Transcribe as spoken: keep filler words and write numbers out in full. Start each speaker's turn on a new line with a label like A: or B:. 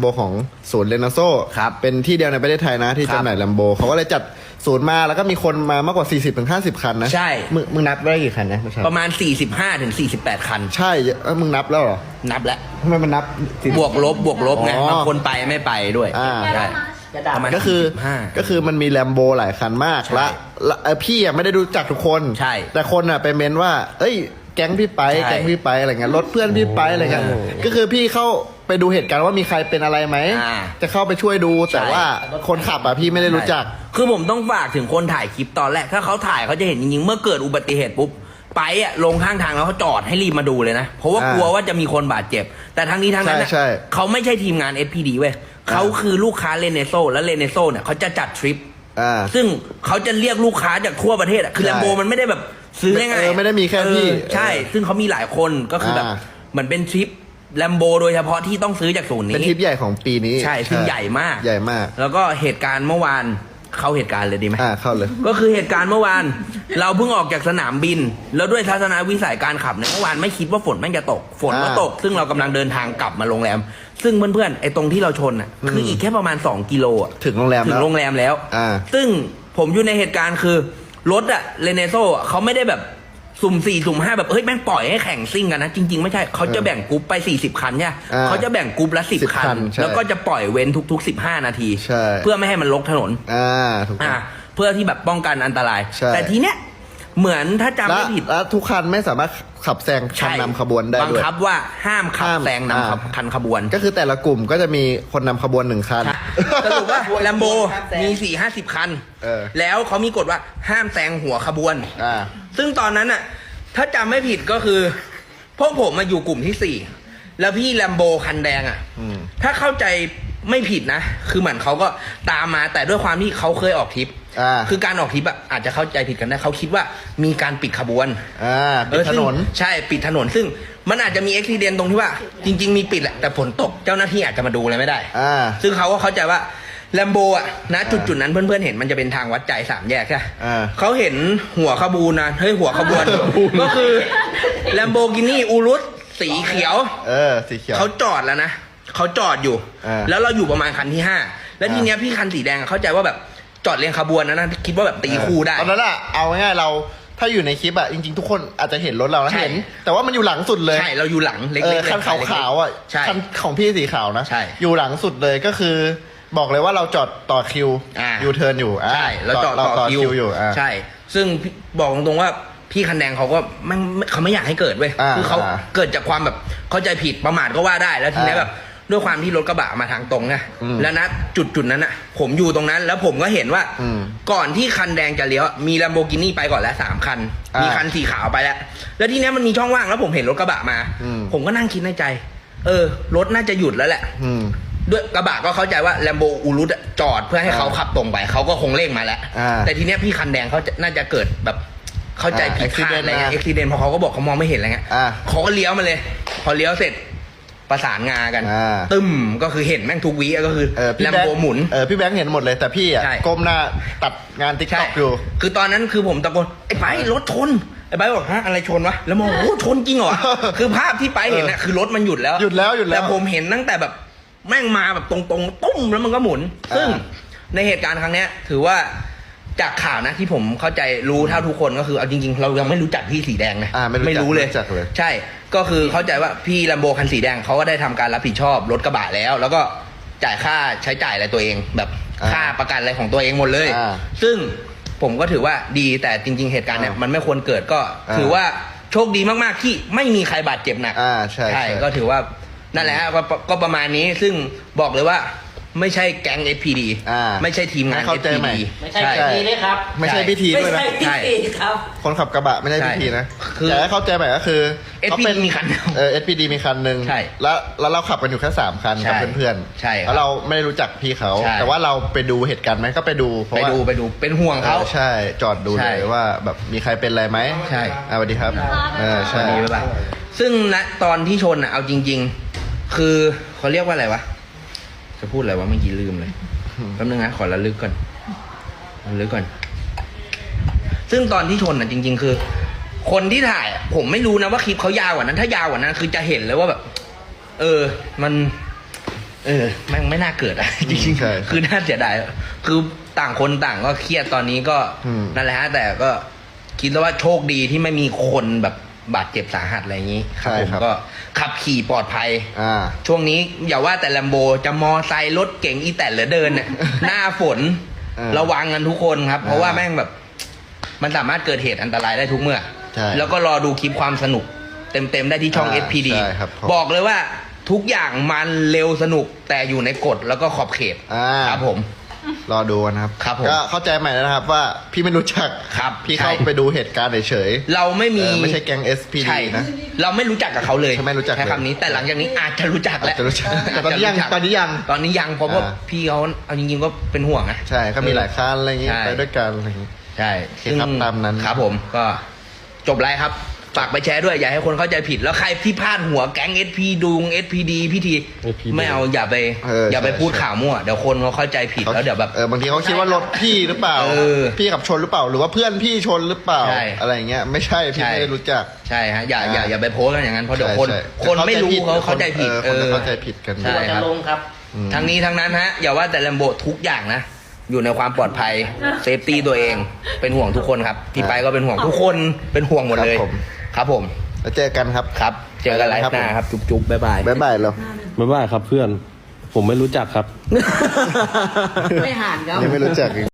A: โบของศูนย์เรโนโซ
B: ครับ
A: เป็นที่เดียวในประเทศไทยนะที่จำหน่ายแลมโบเขาก็เลยจัดศูนย์มาแล้วก็มีคนมามากกว่า สี่สิบถึงห้าสิบ คันนะ
B: ใช่
A: มึงมึงนับได้กี่คันนะ
B: ประมาณสี่สิบห้าถึงสี่สิบแปดคัน
A: ใช่เอ้ยมึงนับแล้วเหรอ
B: นับแล้ว
A: ทำไมมันนับบ
B: วกลบบวกลบไง
A: อ๋อ
B: บางคนไปไม่ไปด้วย
A: อ่า
B: ใช่ประมาณ
A: ก็คือ
B: สี่สิบห้า
A: ก็คือมันมีแลมโบหลายคันมาก
B: ใช่
A: และและเอ่อพี่อ่ะไม่ได้รู้จักทุกคน
B: ใช่
A: แต่คนอ่ะไปเม้นว่า เอ้ยแก๊งพี่ไป
B: ใช่
A: แก๊งพี่ไปอะไรเงี้ยรถเพื่อนพี่ไปอะไรเงี้ย
B: โอ้
A: ก็คือพี่เข้าไปดูเหตุการณ์ว่ามีใครเป็นอะไรไหม
B: อ่า
A: จะเข้าไปช่วยดูแต่
B: ใช่
A: ว่าคนขับอ่ะพี่ไม่ได้รู้จัก
B: คือผมต้องฝากถึงคนถ่ายคลิปตอนแรก ถ้าเขาถ่ายเขาจะเห็นจริงๆ เมื่อเกิดอุบัติเหตุปุ๊บ ไปอะลงข้างทางแล้วเขาจอดให้รีบมาดูเลยนะ เพราะว่า
A: อ่าก
B: ลัวว่าจะมีคนบาดเจ็บ แต่ทั้งนี้ทั้งนั้นอะ
A: ใช่ใช่
B: เขาไม่ใช่ทีมงาน เอส พี ดี เว้ยเขาคือลูกค้าเลเนโซและเลเนโซเนี่ยเขาจะจัดทริป
A: อ่า
B: ซึ่งเขาจะเรียกลูกค้าจากทั่วประเทศอะคือ
A: ใช่
B: แลมโบมันไม่ได้แบบซื้อง่ายๆ
A: เออไม่ได้มีแค่พี่
B: เออใช่ ซึ่งเขามีหลายคนก็คือแบบ
A: อ่า
B: เหมือนเป็นทริปแลมโบโดยเฉพาะที่ต้องซื้อจากศูนย์นี้
A: เป็นทริปใหญ่ของปีนี้
B: ใช่ซึ่งใหญ่มาก
A: ใหญ่มาก
B: แล้วก็เหตุการณ์เมื่อวานเข้าเหตุการณ์เลยดีไหม
A: อ่าเข้าเลย
B: ก็คือเหตุการณ์เมื่อวาน เราเพิ่งออกจากสนามบิน แล้วด้วยทัศนวิสัยการขับเนี่ยเมื่อวานไม่คิดว่าฝนแม่งจะตก ฝนก็
A: อ่า
B: ตก ซึ่งเรากำลังเดินทางกลับมาโรงแรม ซึ่งเพื่อนๆไอ้ตรงที่เราชนอ่ะคืออีกแค่ประมาณสองกิโลอ่ะ
A: ถึงโรงแรม
B: ถึ
A: แล้
B: ง
A: ว
B: โรงแรมแล้ว
A: อ่า
B: ซึ่งผมอยู่ในเหตุการณ์คือรถอะเรเนโซเขาไม่ได้แบบสุ่มสี่สุ่มห้าแบบเฮ้ยแม่งปล่อยให้แข่งซิ่งกันนะจริงๆไม่ใช่เขาจะแบ่งกรุ๊ปไปสี่สิบคันเนี่ย
A: อ่า
B: เขาจะแบ่งกรุ๊ปละสิบ
A: สิบ
B: คั
A: คั
B: น
A: นใช่
B: แล้วก็จะปล่อยเว้นทุกๆสิบห้านาที
A: ใช่
B: เพื่อไม่ให้มันลกถนน
A: อ่าถูกต้
B: อ่า
A: อง
B: เพื่อที่แบบป้องกันอันตราย
A: ใช่
B: แต่ทีเนี้ยเหมือนถ้าจำ
A: และ
B: ไม่ผิด
A: และทุกคันไม่สามารถขับแซงคันนำขบวนได้
B: บัง
A: ด้วย
B: คับว่าห้ามขับ
A: ห้าม
B: แซงนำขบ
A: อ่า
B: คันขบวน
A: ก็คือแต่ละกลุ่มก็จะมีคนนำขบวนหนึ่งคัน
B: สรุปว่าแลมโบมีสี่ห้าสิบคัน
A: เออ
B: แล้วเขามีกฎว่าห้ามแซงหัวขบวน
A: อ่า
B: ซึ่งตอนนั้นน่ะ ถ้าจำไม่ผิดก็คือ พวกผมมาอยู่กลุ่มที่สี่แล้วพี่แลมโบคันแดงอ่ะ
A: อืม
B: ถ้าเข้าใจไม่ผิดนะ คือเหมือนเขาก็ตามมาแต่ด้วยความที่เขาเคยออกทริป
A: อ่า
B: คือการออกทริปอ่ะอาจจะเข้าใจผิดกันได้เขาคิดว่ามีการปิดขบวน
A: อ่าปิดถนน
B: ซึ่งใช่ปิดถนน ซึ่งมันอาจจะมีอุบิเหตุตรงที่ว่า จริง ๆ มีปิดแหละแต่ฝนตกเจ้าหน้าที่อาจจะมาดูอะไรไม่ได้
A: อ่า
B: ซึ่งเขาก็เข้าใจว่าแลมโบอ่ะนะจุดจุดๆนั้นเพื่อนๆเห็นมันจะเป็นทางวัดใจสามแยกใช่ไหม
A: อ่า
B: เขาเห็นหัวขบวนนะเฮ้ยหัวขบวน ก็คือแลมโบกินี่อูรุสสีเขียว
A: เออสีเขียว
B: เขาจอดแล้วนะเขาจอดอยู่
A: อ่า
B: แล้วเราอยู่ประมาณคันที่ห้าแล้วทีเนี้ยพี่คันสีแดงอะเข้าใจว่าแบบจอดเรียงขบวนนะนะคิดว่าแบบตีคู่ได้
A: ตอนนั้นอะเอาง่ายๆเราถ้าอยู่ในคลิปอะจริงๆ ทุกคนอาจจะเห็นรถเรานะ
B: ใช่
A: เห็น แต่ว่ามันอยู่หลังสุดเลย
B: ใช่เราอยู่หลังเล็ก
A: เอ
B: ๆ
A: อ
B: เลย
A: คันขาวๆอะ
B: ใช่
A: คันของพี่สีขาวนะ
B: ใช่
A: อยู่หลังสุดเลยก็คือ บอกเลยว่าเราจอดต่อคิว
B: อ่า
A: ยูเทิร์นอยู่อ่า
B: ใช่เราจอดต่อคิว
A: อยู่อ่า
B: ใช่ ซึ่งพี่บอกตรงๆว่าพี่คันแดงเขาก็ไม่ไม่เขาไม่อยากให้เกิดเว้ย
A: อ่า
B: คือเขา
A: อ่า
B: เกิดจากความแบบเข้าใจผิดประมาทก็ว่าได้แล้วทีนี้
A: อ่า
B: แบบด้วยความที่รถกระบะมาทางตรงไง
A: อืม
B: แล้วนะจุดจุดๆนั้นอ่ะ ผมอยู่ตรงนั้น แล้วผมก็เห็นว่า
A: อืม
B: ก่อนที่คันแดงจะเลี้ยวมีลัมโบกินี่ไปก่อนแล้วสามคัน
A: อ่ามี
B: มีคันสีขาวไปแล้ว แล้วทีเนี้ยมันมีช่องว่างแล้วผมเห็นรถกระบะมา
A: อืม
B: ผมก็นั่งคิดในใจ เออ รถน่าจะหยุดแล้วแหละ
A: อืม
B: ด้วยกระบะก็เข้าใจว่าแลมโบอูรุสจอดเพื่อให้เขา
A: อ่า
B: ขับตรงไปเขาก็คงเร่งมาแล้ว
A: อ่า
B: แต่ทีเนี้ยพี่คันแดงเขาจะน่าจะเกิดแบบเข้าใจผิดพลาด
A: อ่า
B: อะไรเงี้ย
A: accident
B: อุบิเหตุเพราะเขาก็บอกเขามองไม่เห็นอะไรเงี้ย
A: อ่า
B: เขาก็เลี้ยวมาเลย พอเลี้ยวเสร็จประสานงากัน
A: อ่า
B: ตึมก็คือเห็นแม่งทุกวิก็คือ
A: เออพี่
B: แลม
A: แบง
B: โบ
A: ค์
B: หมุน
A: เออพี่แบงค์เห็นหมดเลยแต่พี่อะ
B: ใช่
A: ก้มหน้าตัดงานติ๊ก
B: ใช่
A: ต็อกอยู่
B: คือตอนนั้นคือผมตะโกนไอ้ไปรถชนไอ้ไปบอกฮะอะไรชนวะแล้วมองโอ้ชนจริงเหรอ คือภาพที่ไปเห็นน่ะคือรถมันหยุดแล้ว
A: หยุดแล้วหยุดแล้ว
B: แต่ผมเห็นตั้งแต่แบบแม่งมาแบบตรงๆตุ้มแล้วมันก็หมุน
A: อ่า
B: ซึ่งในเหตุการณ์ครั้งเนี้ย ถือว่าจากข่าวนะที่ผมเข้าใจรู้เท่าทุกคนก็คือเอาจริง ๆ เรายังไม่รู้จักพี่สีแดงนะ
A: อ่าไม่รู้จัก
B: รู้เลย
A: ไม่รู้จักเลย
B: ใช่ ก็คือเข้าใจว่าพี่ลัมโบคันสีแดงเขาก็ได้ทำการรับผิดชอบรถกระบะแล้ว แล้วก็จ่ายค่าใช้จ่ายอะไรตัวเอง แบบ
A: อ่า
B: ค่าประกันอะไรของตัวเองหมดเลย
A: อ่า
B: ซึ่งผมก็ถือว่าดีแต่จริง ๆ เหตุการณ์เนี่ย
A: อ่ามั
B: มันไม่ควรเกิดก็
A: อ่า
B: ถือว่าโชคดีมากๆที่ไม่มีใครบาดเจ็บหนัก
A: อ่าใช่ใช่
B: ก็ถือว่านั่นแหละฮะก็ก็ประมาณนี้ซึ่งบอกเลยว่าไม่ใช่แก๊ง เอส พี ดี
A: อ่า
B: ไม่ใช่ทีมงาน
A: ให้เข้าใจใหม่
B: เอส พี ดี
C: ไม่ใช่พิธีด้วยครับ
A: ไม่ใช่พิธี
C: ไม่
A: ด้วยนะ
C: ใช่พิธีครับ
A: คนขับกระบะไม่ใช่
B: ใช่
A: พิธีนะ
B: คือ
A: แต่ให้เข้าใจใหม่ก็คือ
B: เอสพีดี
A: ขาเป็น
B: มีคันเดียว
A: เออ เอส พี ดี มีคันหนึ่ง
B: ใช่
A: แล้วแล้วเราขับกันอยู่แค่สามคัน
B: ใช่
A: กับเพื่อนๆ
B: ใช่ครับ
A: แล้วเราไม่ได้รู้จักพี่เขา
B: ใช่
A: แต่ว่าเราไปดูเหตุการณ์ไหมก็ไปดูเพราะ
B: ไป
A: ว่า
B: ดูไปดูเป็นห่วงเขา
A: เออใช่จอดดู
B: ใช่
A: เลยว่าแบบมีใครเป็นอะไรไหม
B: ใช่
A: อ่าสวัสดีครับเออ
B: ส
A: ใช่
B: วัสดีบ๊ายบายซึ่งณตอนที่ชนอ่ะเอาจริง ๆ คือเขาเรียกว่าอะไรวะจะพูดอะไรวะเมื่อกี้ลืมเลยแป๊บนึงนะขอระลึกก่อนระลึกก่อน ซึ่งตอนที่ชนอ่ะจริง ๆ คือ คนที่ถ่ายอะผมไม่รู้นะว่าคลิปเขายาวกว่านั้น ถ้ายาวกว่านั้นคือจะเห็นเลยว่าแบบ เออ มันเออแม่งไม่น่าเกิดอะ จริง
A: ใช่
B: ๆคือน่าเสียดายคือต่างคนต่างก็เครียดตอนนี้ก็
A: อืม
B: นั่นแหละฮะแต่ก็คิดว่าโชคดีที่ไม่มีคนแบบบาดเจ็บสาหัสอะไรอย่างนี้ครับผมก็ขับขี่ปลอดภัย
A: อ่า
B: ช่วงนี้อย่าว่าแต่แลมโบจะมอไซค์รถเก๋งอีแตนหรือเดินเนี่ย หน้าฝน
A: เออ
B: ระวังกันทุกคนครับ เพราะว่า
A: อ่า
B: แม่งแบบ มันสามารถเกิดเหตุอันตรายได้ทุกเมื่อ
A: ใช่
B: แล้วก็รอดูคลิปความสนุก เต็มๆได้ที่ช่อง
A: อ่า
B: เอส พี ดี
A: ใช่ครับผม
B: บอกเลยว่าทุกอย่างมันเร็วสนุกแต่อยู่ในกฎแล้วก็ขอบเขต
A: อ่า
B: ครับผม
A: รอดูนะครับ
B: ครับผม
A: ก็เข้าใจใหม่แล้วนะครับว่าพี่ไม่รู้จัก
B: ครับ
A: พี่เข้า
B: ใช่
A: ไปดูเหตุการณ์เฉย
B: เราไม่
A: ๆ
B: มี
A: เออไม่ใช่แก๊ง เอส พี
B: ใช่
A: ดี นะ
B: เราไม่รู้จักกับเขาเลย
A: ใช่ไม่รู้จัก
B: ใช้
A: เลย
B: คำนี้แต่หลังจากนี้อาจจะรู้จักแล้ว
A: อาจจะรู้จักแต่ตอนนี้ยัง
B: าจจะรู้จัก
A: ตอนนี้ยัง
B: ตอนนี้ยังเพราะว่า
A: อ่า
B: พี่เขาเอาจริงๆก็เป็นห่วงนะ
A: ใช่ก็มีหลายคันอะไรอย่างงี้
B: ใช่
A: ไปด้วยกันอะไรอย่างงี้
B: ใช่
A: โอเคครับตามนั้น
B: ครับผมก็จบไลฟ์ครับ ฝากไปแชร์ด้วย อย่าให้คนเข้าใจผิด แล้วใครที่พลาดหัวแก๊ง เอส พี ดุง เอส พี ดี พี่ที
D: เอส พี ดี
B: ไม่เอาอย่าไป
A: เออ
B: อย่าไป
A: ใช่
B: พูด
A: ใช่
B: ข่าวมั่ว เดี๋ยวคนเขาเข้าใจผิดแล้วเดี๋ยวแบบ
A: เออบางทีเขาคิดว่ารถพี่หรือเปล่า
B: เออ
A: พี่ขับชนหรือเปล่า หรือว่าเพื่อนพี่ชนหรือเปล่า
B: ใช่
A: อะไรอย่างเงี้ยไม่ใช่พี่
B: ใช่
A: ไม่ได้รู้จัก
B: ใช่ฮะอย่าอย่าอย่าไปโพสต์กันอย่างนั้นเพราะเดี๋ยวคน
A: ใช่ใช่
B: คนไม่รู้เขาเข้าใจผิด
A: เออคนจะเข้าใจผิดกัน
B: ใช่
C: ตัว
B: ค
C: จะ
B: รับ
C: ลงครับ
A: อืม
B: ทั้งนี้ทั้งนั้นฮะอย่าว่าแต่แลมโบทุกอย่างนะ อยู่ในความปลอดภัยเซฟตี้ตัวเองเป็นห่วงทุกคนครับพี่ไปก็เป็นห่วงทุกคนเป็นห่วงหมดเลย
A: ครับผม
B: ครับผม
A: แล้วเจอกันครับ
B: ครับ เจอกันไลฟ์หน้าครับ จุ๊บๆบ๊ายบาย
A: บ๊ายบายเรา
D: ไม่ว่าครับเพื่อน ผมไม่รู้จักครับ
C: ไม่ห่านครับ
A: นี่ไม่รู้จักอีก